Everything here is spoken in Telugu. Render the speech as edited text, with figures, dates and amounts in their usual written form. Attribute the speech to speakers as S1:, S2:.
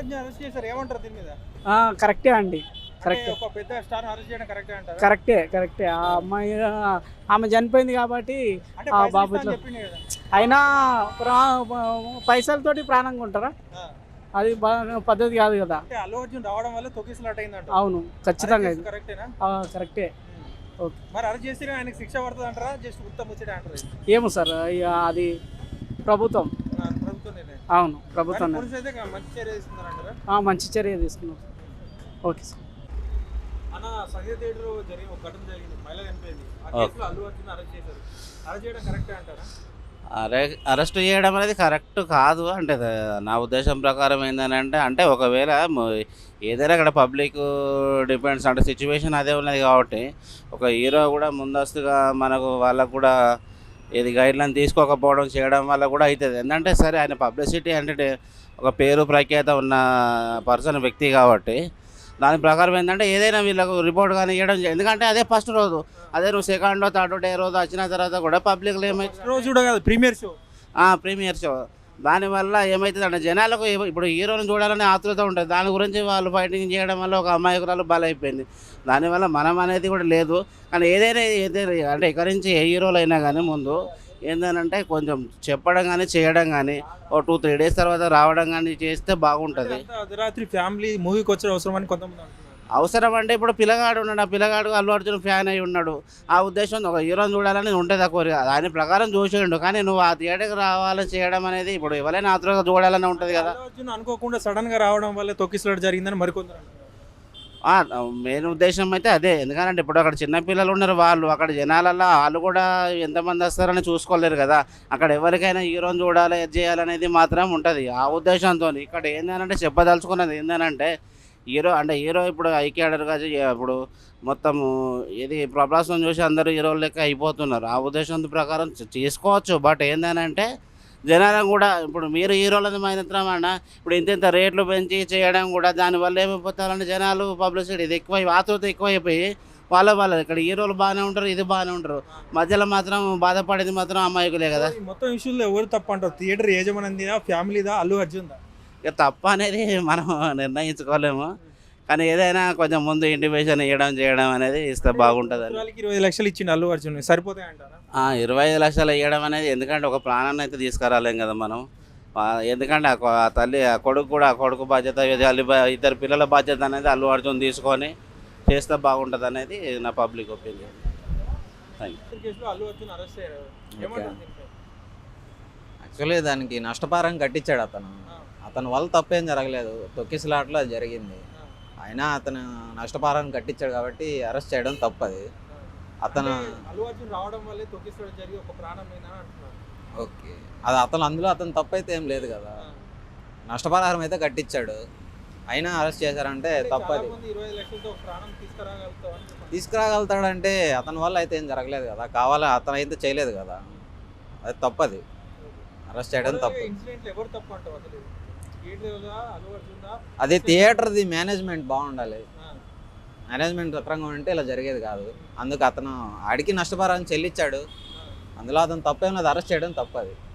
S1: అర్జున్ అరెస్ట్ చేశారు, ఏమంటారు దీని మీద?
S2: కరెక్టే అండి, కరెక్టే.
S1: ఒక పెద్ద స్టార్ అరెస్ట్ చేయడం కరెక్టే అంటారా?
S2: కరెక్టే. ఆ అమ్మాయి ఆమె చనిపోయింది కాబట్టి
S1: అంటే
S2: ఆ
S1: పైసలు
S2: బాబు
S1: ఇస్తా అని
S2: ఇట్లా
S1: చెప్పిండు కదా.
S2: అయినా పైసలతోటి ప్రాణంగా ఉంటారా?
S1: ఆ.
S2: అది పద్ధతి కాదు కదా.
S1: అంటే అల్లు అర్జున్ రావడం వల్ల తొక్కిసలాట అయిందంట.
S2: అవును, ఖచ్చితంగా ఇది
S1: కరెక్టేనా?
S2: కరెక్టే. ఓకే.
S1: మరి అరెస్ట్ చేస్తే ఆయనకి శిక్ష పడుతుంది అంటారా, జస్ట్ ఉత్తమ ముచ్చటే అంటారా?
S2: ఏమో సార్, ఇక అది ప్రభుత్వం.
S1: ప్రభుత్వం నిర్ణయం.
S2: అవును, ప్రభుత్వం
S1: పోలీసు అయితే మంచి చర్య తీసుకున్నారంటారా?
S2: మంచి చర్య తీసుకున్నాం. Okay sir.
S1: అన్న, సంజయ్ థియేటర్ జరిగిన ఒక ఘటన జరిగింది, మహిళ చనిపోయింది. ఆ కేసులో అల్లు అర్జున్ అరెస్ట్ చేశారు. అరెస్ట్ చేయడం కరెక్టే అంటారా?
S3: అరెస్ట్ చేయడం అనేది కరెక్ట్ కాదు. అంటే నా ఉద్దేశం ప్రకారం ఏంటంటే, అంటే ఒకవేళ ఏదైనా అక్కడ పబ్లిక్ డిపెండ్స్, అంటే సిచ్యువేషన్ అదే ఉన్నది కాబట్టి ఒక హీరో కూడా ముందస్తుగా మనకు వాళ్ళకు కూడా ఇది గైడ్లైన్ తీసుకోకపోవడం చేయడం వల్ల కూడా అవుతుంది. ఎందుకంటే సరే, ఆయన పబ్లిసిటీ అంటే ఒక పేరు ప్రఖ్యాత ఉన్న వ్యక్తి కాబట్టి దాని ప్రకారం ఏంటంటే ఏదైనా వీళ్ళకు రిపోర్ట్ కానీ ఇవ్వడం, ఎందుకంటే అదే ఫస్ట్ రోజు, అదే నువ్వు సెకండ్ థర్డ్ డే రోజు వచ్చిన తర్వాత కూడా పబ్లిక్లో ఏమైతే
S1: రోజు కూడా కాదు, ప్రీమియర్
S3: షో దానివల్ల ఏమవుతుంది అంటే జనాలకు ఇప్పుడు హీరోని చూడాలనే ఆతృత ఉంటుంది. దాని గురించి వాళ్ళు ఫైటింగ్ చేయడం వల్ల ఒక అమాయకురాలు బలైపోయింది. దానివల్ల మనం అనేది కూడా లేదు. కానీ ఏదైనా అంటే ఇక్కడి నుంచి ఏ హీరోలు అయినా కానీ ముందు ఏంటంటే కొంచెం చెప్పడం కానీ చేయడం కానీ ఓ 2-3 డేస్ తర్వాత రావడం కానీ చేస్తే బాగుంటుంది.
S1: అర్ధరాత్రి ఫ్యామిలీ మూవీకి వచ్చే అవసరం అని కొంతమంది అంటున్నారు.
S3: అవసరం అంటే ఇప్పుడు పిల్లగాడు ఉన్నాడు, ఆ పిల్లగాడు అల్లు అర్జున్ ఫ్యాన్ అయి ఉన్నాడు. ఆ ఉద్దేశం ఒక హీరోని చూడాలని ఉంటుంది, ఆ కోరిక. దాని ప్రకారం చూసేయండు. కానీ నువ్వు ఆ థియేటర్కి రావాలని చేయడం అనేది ఇప్పుడు ఎవరైనా ఆతృతగా చూడాలని ఉంటుంది కదా.
S1: అల్లు అర్జున్ అనుకోకుండా సడన్ గా రావడం వల్ల తొక్కిసలాట జరిగిందని మరికొందరు అంటున్నారు.
S3: మెయిన్ ఉద్దేశం అయితే అదే. ఎందుకంటే ఇప్పుడు అక్కడ చిన్నపిల్లలు ఉన్నారు, వాళ్ళు అక్కడ జనాలల్లో వాళ్ళు కూడా ఎంతమంది వస్తారని చూసుకోలేరు కదా. అక్కడ ఎవరికైనా హీరోని చూడాలి, ఇది చేయాలనేది మాత్రం ఉంటుంది. ఆ ఉద్దేశంతో ఇక్కడ ఏంటంటే చెప్పదలుచుకున్నది ఏంటంటే హీరో ఇప్పుడు ఐక్యాడర్గా ఇప్పుడు మొత్తం ఇది ప్రభాసం చూసి అందరూ హీరోల లెక్క అయిపోతున్నారు. ఆ ఉద్దేశం ప్రకారం చేసుకోవచ్చు. బట్ ఏంటంటే జనాలను కూడా ఇప్పుడు మీరు హీరోలని మాత్రం అన్న ఇప్పుడు ఇంత రేట్లు పెంచి చేయడం కూడా దానివల్ల ఏమైపోతారంటే జనాలు పబ్లిసిటీ ఇది ఎక్కువ ఆతృత ఎక్కువైపోయి వాళ్ళ ఇక్కడ హీరోలు బాగానే ఉంటారు, ఇది బాగానే ఉంటారు, మధ్యలో మాత్రం బాధపడేది మాత్రం అమ్మాయికులే కదా.
S1: మొత్తం ఇష్యూలో ఎవరు తప్పు అంటారు? థియేటర్ యజమానిదా, ఫ్యామిలీదా, అల్లు అర్జున్దా?
S3: ఇక తప్ప అనేది మనం నిర్ణయించుకోలేము. కానీ ఏదైనా కొంచెం ముందు ఇంటిమేషన్ ఇవ్వడం చేయడం అనేది ఇస్తే బాగుంటుంది.
S1: 20 లక్షలు ఇచ్చిండు అల్లు అర్జున్, సరిపోతాయి అంటారా?
S3: 25 లక్షలు ఇవ్వడం అనేది, ఎందుకంటే ఒక ప్రాణాన్ని అయితే తీసుకురాలేం కదా మనం. ఎందుకంటే ఆ తల్లి ఆ కొడుకు బాధ్యత, ఇద్దరు పిల్లల బాధ్యత అనేది అల్లు అర్జున్ తీసుకొని చేస్తే బాగుంటుంది అనేది నా పబ్లిక్ ఒపీనియన్.
S4: యాక్చువల్లీ దానికి నష్టపరం కట్టించాడు అతను వల్ల తప్పేం జరగలేదు, తొక్కిసలాట్లో అది జరిగింది. అయినా అతను నష్టపరాన్ని కట్టించాడు కాబట్టి అరెస్ట్ చేయడం తప్పది. అతను
S1: అల్లు అర్జున్ రావడం వల్లే తొక్కిసలాట జరిగి ఒక ప్రాణమైనా అంటున్నారు.
S4: ఓకే, అది అందులో అతను తప్పైతే ఏం లేదు కదా. నష్టపరిహారం అయితే కట్టించాడు, అయినా అరెస్ట్ చేశారంటే తప్పది.
S1: 20 లక్షలతో ప్రాణం
S4: తీసుకురాగలుగుతాడంటే అతని వల్ల అయితే ఏం జరగలేదు కదా, అతను అయితే చేయలేదు కదా, అది తప్పది. అరెస్ట్ చేయడం తప్పు. అది థియేటర్ది మేనేజ్మెంట్ బాగుండాలి. మేనేజ్మెంట్ సక్రంగా ఉంటే ఇలా జరిగేది కాదు. అందుకు అతను ఆడికి నష్టపరిహారం చెల్లించాడు, అందులో అతను తప్పేమో అరెస్ట్ చేయడం తప్పది.